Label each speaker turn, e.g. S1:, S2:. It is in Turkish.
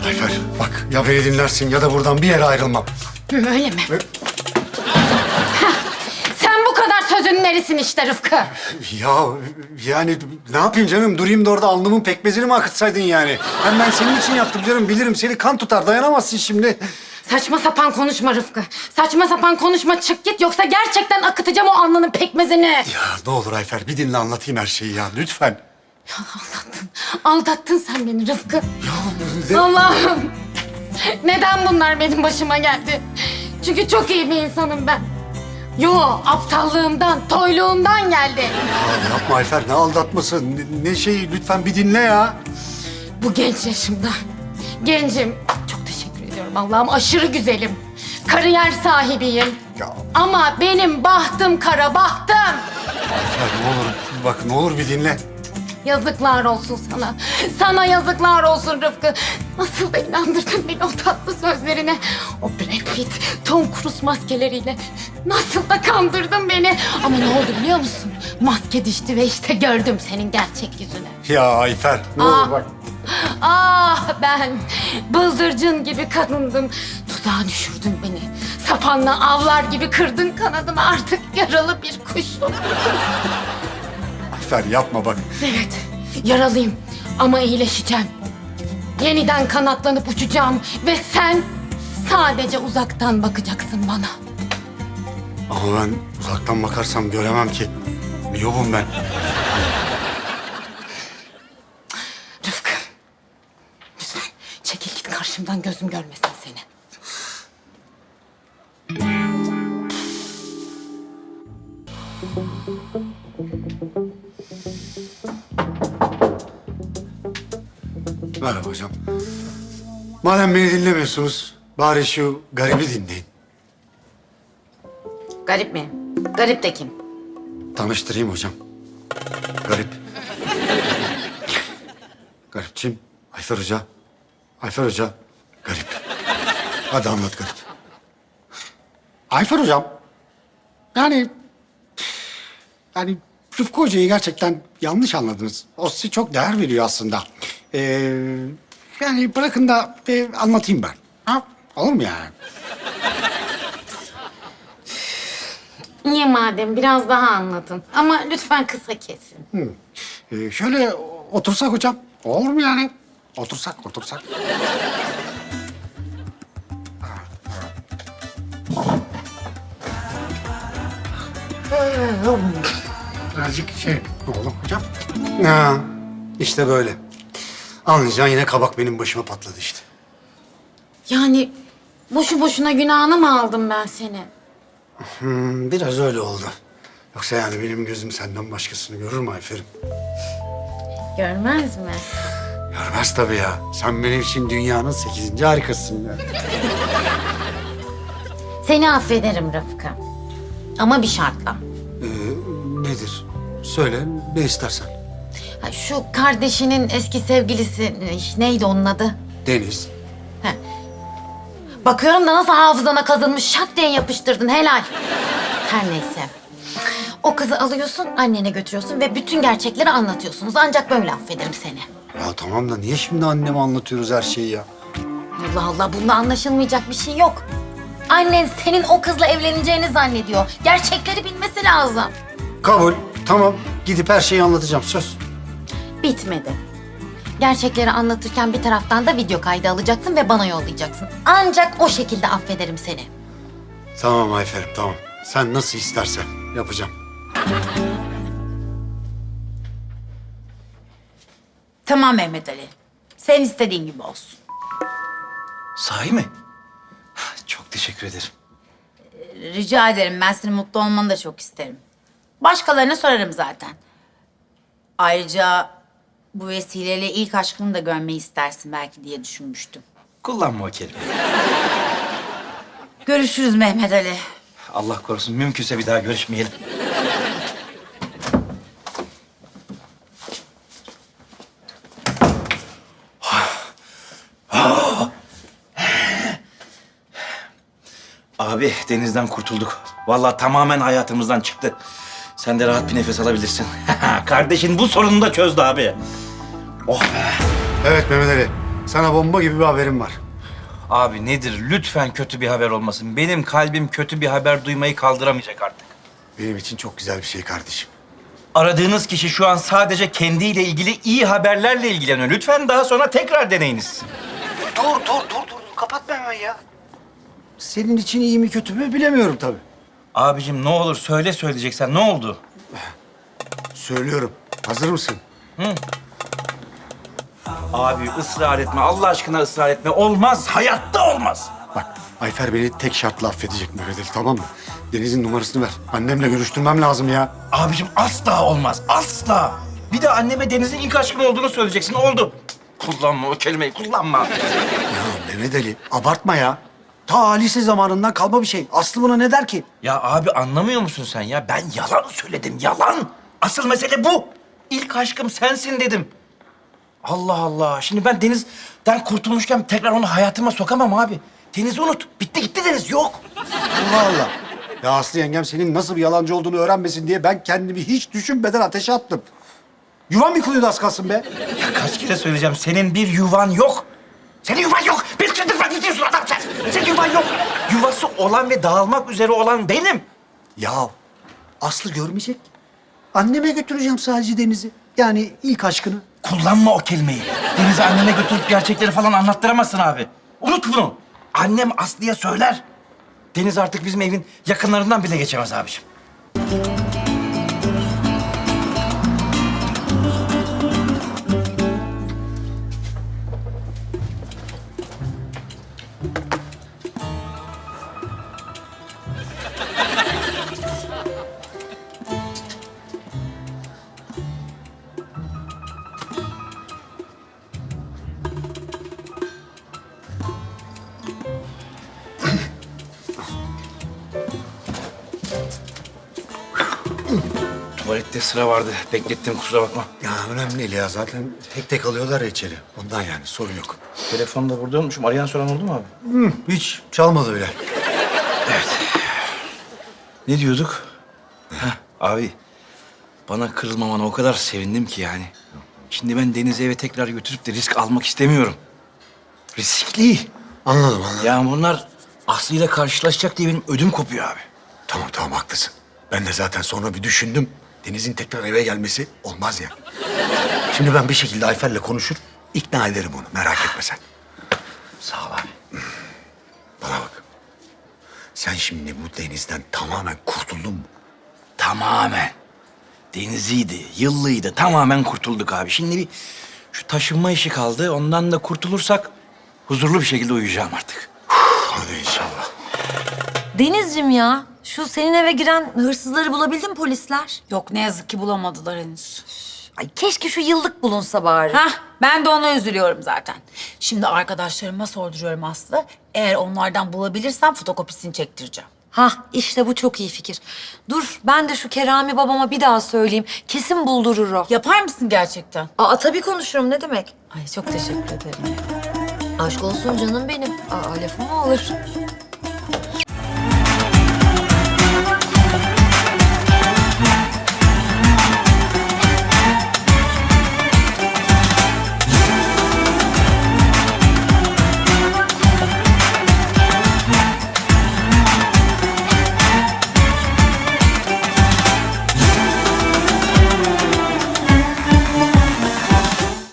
S1: Ayfer bak ya beni dinlersin ya da buradan bir yere ayrılmam.
S2: Öyle mi? Sen bu kadar sözün nerisin işte Rıfkı.
S1: Ya yani ne yapayım canım? Durayım da orada alnımın pekmezini mi akıtsaydın yani? Hem ben senin için yaptım canım. Bilirim seni kan tutar. Dayanamazsın şimdi.
S2: Saçma sapan konuşma Rıfkı. Saçma sapan konuşma, çık git yoksa gerçekten akıtacağım o alnının pekmezini.
S1: Ya ne olur Ayfer bir dinle anlatayım her şeyi ya lütfen.
S2: Ya aldattın. Aldattın sen beni Rıfkı.
S1: Ya
S2: Allah'ım. Neden bunlar benim başıma geldi? Çünkü çok iyi bir insanım ben. Yo, aptallığımdan, toyluğumdan geldi.
S1: Ya yapma Ayfer ne aldatması ne şeyi lütfen bir dinle ya.
S2: Bu genç yaşımda. Gencim. Çok teşekkür ediyorum Allah'ım. Aşırı güzelim. Kariyer sahibiyim.
S1: Ya
S2: Ama benim bahtım kara bahtım.
S1: Ayfer ne olur bak ne olur bir dinle.
S2: Yazıklar olsun sana. Sana yazıklar olsun Rıfkı. Nasıl da inandırdın beni o tatlı sözlerine. O Brad Pitt, Tom Cruise maskeleriyle. Nasıl da kandırdın beni. Ama ne oldu biliyor musun? Maske düştü ve işte gördüm senin gerçek yüzünü.
S1: Ya Ayfer ne
S2: Aa.
S1: olur bak.
S2: Ah ben bıldırcın gibi kadındım. Tuzağa düşürdün beni. Sapanla avlar gibi kırdın kanadımı. Artık yaralı bir kuşum.
S1: Ayfer yapma bak.
S2: Evet, yaralıyım ama iyileşeceğim. Yeniden kanatlanıp uçacağım ve sen sadece uzaktan bakacaksın bana.
S1: Ama ben uzaktan bakarsam göremem ki. Miyobum ben.
S2: Rıfkı, lütfen çekil git karşımdan, gözüm görmesin seni.
S1: Merhaba hocam. Madem beni dinlemiyorsunuz, bari şu garibi dinleyin.
S2: Garip mi? Garip de kim?
S1: Tanıştırayım hocam. Garip. Garipçim, Ayfer Hoca. Ayfer Hoca, garip. Hadi anlat garip. Ayfer Hocam, yani Rıfkı Hoca'yı gerçekten yanlış anladınız. O size çok değer veriyor aslında. Yani bırakın da anlatayım ben. Ha? Olur mu yani?
S2: İyi madem, biraz daha anlatın. Ama lütfen kısa kesin.
S1: Şöyle otursak hocam. Olur mu yani? Otursak. Birazcık şey oğlum hocam. Ha, işte böyle. Anlayacaksın yine kabak benim başıma patladı işte.
S2: Yani boşu boşuna günahını mı aldım ben seni?
S1: Biraz öyle oldu. Yoksa yani benim gözüm senden başkasını görür mü Ayfer'im?
S2: Görmez mi?
S1: Görmez tabii ya. Sen benim için dünyanın 8. harikasısın ya.
S2: Seni affederim Rıfkı. Ama bir şartla.
S1: Nedir? Söyle ne istersen.
S2: Ha, şu kardeşinin eski sevgilisi neydi onun adı?
S1: Deniz.
S2: Bakıyorum da nasıl hafızana kazınmış, şak diye yapıştırdın, helal. Her neyse. O kızı alıyorsun, annene götürüyorsun ve bütün gerçekleri anlatıyorsunuz. Ancak böyle affederim seni.
S1: Ya tamam da niye şimdi anneme anlatıyoruz her şeyi ya?
S2: Allah Allah, bunda anlaşılmayacak bir şey yok. Annen senin o kızla evleneceğini zannediyor. Gerçekleri bilmesi lazım.
S1: Kabul. Tamam. Gidip her şeyi anlatacağım. Söz.
S2: Bitmedi. Gerçekleri anlatırken bir taraftan da video kaydı alacaksın ve bana yollayacaksın. Ancak o şekilde affederim seni.
S1: Tamam Ayfer'im tamam. Sen nasıl istersen yapacağım.
S3: Tamam Mehmet Ali. Sen istediğin gibi olsun.
S4: Sahi mi? Çok teşekkür ederim.
S3: Rica ederim. Ben senin mutlu olmanı da çok isterim. Başkalarına sorarım zaten. Ayrıca bu vesileyle ilk aşkını da görmeyi istersin belki diye düşünmüştüm.
S4: Kullanma o kelimeyi.
S3: Görüşürüz Mehmet Ali.
S4: Allah korusun mümkünse bir daha görüşmeyelim. Abi denizden kurtulduk. Vallahi tamamen hayatımızdan çıktı. Sen de rahat bir nefes alabilirsin. Kardeşin bu sorununu da çözdü abi. Oh be.
S1: Evet Mehmet Ali. Sana bomba gibi bir haberim var.
S4: Abi nedir? Lütfen kötü bir haber olmasın. Benim kalbim kötü bir haber duymayı kaldıramayacak artık.
S1: Benim için çok güzel bir şey kardeşim.
S4: Aradığınız kişi şu an sadece kendiyle ilgili iyi haberlerle ilgileniyor. Lütfen daha sonra tekrar deneyiniz.
S1: Dur. Kapatma hemen ya. Senin için iyi mi kötü mü bilemiyorum tabii.
S4: Abicim ne olur söyle söyleyeceksen ne oldu?
S1: Söylüyorum. Hazır mısın?
S4: Abi ısrar etme. Allah aşkına ısrar etme. Olmaz. Hayatta olmaz.
S1: Bak Ayfer beni tek şartla affedecek Mehmet Ali, tamam mı? Deniz'in numarasını ver. Annemle görüştürmem lazım ya.
S4: Abicim asla olmaz. Asla. Bir de anneme Deniz'in ilk aşkın olduğunu söyleyeceksin. Oldu. Kullanma o kelimeyi. Kullanma.
S1: Ya Mehmet Ali abartma ya. Ta lise zamanından kalma bir şey. Aslı buna ne der ki?
S4: Ya abi anlamıyor musun sen ya? Ben yalan söyledim. Yalan. Asıl mesele bu. İlk aşkım sensin dedim. Allah Allah. Şimdi ben Deniz'den kurtulmuşken tekrar onu hayatıma sokamam abi. Deniz'i unut. Bitti gitti Deniz. Yok.
S1: Allah Allah. Ya Aslı yengem senin nasıl bir yalancı olduğunu öğrenmesin diye ben kendimi hiç düşünmeden ateşe attım. Yuvam yıkılıyordu az kalsın be.
S4: Ya kaç kere söyleyeceğim. Senin bir yuvan yok. Senin yuvan yok. Bir çıldırma gidiyorsun adam sen. Senin yuvan yok. Yuvası olan ve dağılmak üzere olan benim.
S1: Ya Aslı görmeyecek. Anneme götüreceğim sadece Deniz'i. Yani ilk aşkını.
S4: Kullanma o kelimeyi. Deniz'i anneme götürüp gerçekleri falan anlattıramazsın abi. Unut bunu. Annem Aslı'ya söyler. Deniz artık bizim evin yakınlarından bile geçemez abiciğim. Tuvalette sıra vardı. Beklettim kusura bakma.
S1: Ya önemli değil ya. Zaten tek tek alıyorlar ya içeri. Ondan yani sorun yok.
S4: Telefonu da burada unutmuşum. Arayan soran oldu mu abi?
S1: Hiç çalmadı bile.
S4: Ne diyorduk? Heh, abi bana kırılmamana o kadar sevindim ki yani. Şimdi ben Deniz'i eve tekrar götürüp de risk almak istemiyorum. Riskli.
S1: Anladım.
S4: Yani bunlar Aslı ile karşılaşacak diye benim ödüm kopuyor abi.
S1: Tamam haklısın. Ben de zaten sonra bir düşündüm. Deniz'in tekrar eve gelmesi olmaz ya. Şimdi ben bir şekilde Ayfer'le konuşur, ikna ederim onu. Merak etme sen.
S4: Sağ ol abi.
S1: Bana bak. Sen şimdi bu Deniz'den tamamen kurtuldun mu?
S4: Tamamen. Deniziydi, yıllıydı. Tamamen kurtulduk abi. Şimdi bir şu taşınma işi kaldı. Ondan da kurtulursak huzurlu bir şekilde uyuyacağım artık.
S1: Hadi inşallah.
S5: Denizciğim ya, şu senin eve giren hırsızları bulabildin mi polisler?
S3: Yok ne yazık ki bulamadılar henüz.
S5: Ay keşke şu yıllık bulunsa bari.
S3: Hah ben de ona üzülüyorum zaten. Şimdi arkadaşlarıma sorduruyorum Aslı. Eğer onlardan bulabilirsem fotokopisini çektireceğim.
S5: Hah, işte bu çok iyi fikir. Dur, ben de şu Kerami babama bir daha söyleyeyim. Kesin buldurur o.
S3: Yapar mısın gerçekten?
S5: Aa, tabii konuşurum, ne demek?
S3: Ay çok teşekkür ederim.
S5: Aşk olsun canım benim. Aa, lafım mı olur?